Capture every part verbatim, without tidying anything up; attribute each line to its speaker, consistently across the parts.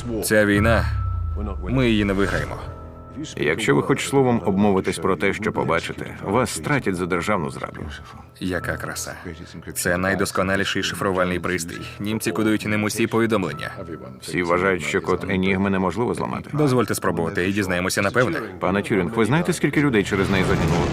Speaker 1: Ця війна, ми її не виграємо.
Speaker 2: Якщо ви хоч словом обмовитесь про те, що побачите, вас стратять за державну зраду.
Speaker 1: Яка краса. Це найдосконаліший шифрувальний пристрій. Німці кодують ним усі повідомлення.
Speaker 2: Всі вважають, що код Енігми неможливо зламати.
Speaker 1: Дозвольте спробувати і дізнаємося напевне.
Speaker 2: Пане Тюрінг, ви знаєте, скільки людей через неї загинуло?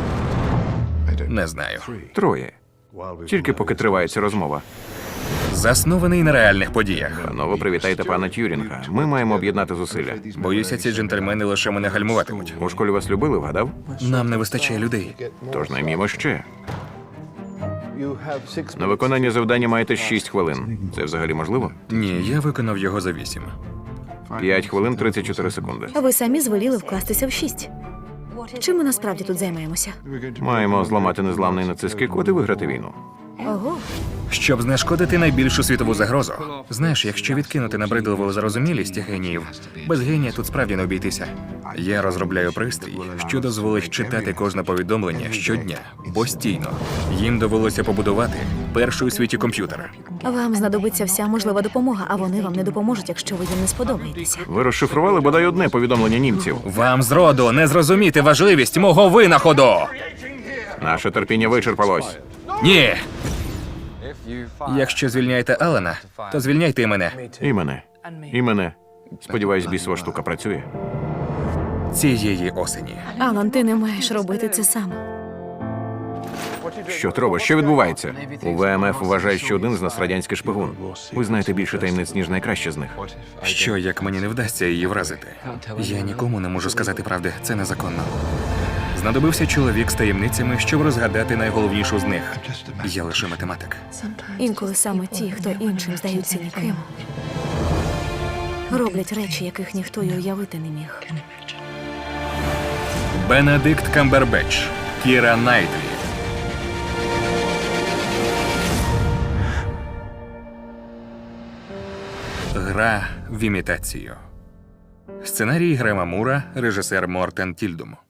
Speaker 1: Не знаю.
Speaker 2: Троє. Тільки поки триває ця розмова.
Speaker 1: Заснований на реальних подіях.
Speaker 2: Панове, привітайте пана Тюрінга. Ми маємо об'єднати зусилля.
Speaker 1: Боюся, ці джентльмени лише мене гальмуватимуть.
Speaker 2: У школі вас любили, вгадав?
Speaker 1: Нам не вистачає людей.
Speaker 2: Тож наймімо ще. На виконання завдання маєте шість хвилин. Це взагалі можливо?
Speaker 1: Ні, я виконав його за вісім.
Speaker 2: П'ять хвилин тридцять чотири секунди.
Speaker 3: Ви самі звеліли вкластися в шість. Чим ми насправді тут займаємося?
Speaker 2: Маємо зламати незламний нацистський код і виграти війну.
Speaker 3: Ого,
Speaker 1: Щоб знешкодити найбільшу світову загрозу. Знаєш, якщо відкинути набридливу зарозумілість геніїв, без генія тут справді не обійтися. Я розробляю пристрій, що дозволить читати кожне повідомлення щодня, постійно. Їм довелося побудувати перший у світі комп'ютер.
Speaker 3: вам знадобиться вся можлива допомога, а вони вам не допоможуть, якщо ви їм не сподобаєтеся.
Speaker 2: Ви розшифрували бодай одне повідомлення німців.
Speaker 1: Вам зроду не зрозуміти важливість мого винаходу!
Speaker 2: Наше терпіння вичерпалось.
Speaker 1: Ні! Якщо звільняєте Алана, то звільняйте і мене.
Speaker 2: І мене. І мене. Сподіваюсь, бісова штука працює.
Speaker 1: Цієї осені.
Speaker 3: Алан, ти не маєш робити це сам.
Speaker 2: Що треба? Що відбувається? У ВМФ вважають, що один з нас радянський шпигун. Ви знаєте більше таємниць, ніж найкраще з них.
Speaker 1: Що, як мені не вдасться її вразити? Я нікому не можу сказати правди, це незаконно. Знадобився чоловік з таємницями, щоб розгадати найголовнішу з них. Я лише математик.
Speaker 3: Інколи саме ті, хто іншим здаються ніким, роблять речі, яких ніхто й уявити не міг.
Speaker 1: Бенедикт Камбербетч, Кіра Найтлі. Гра в імітацію. Сценарій Грема Мура, режисер Мортен Тільдум.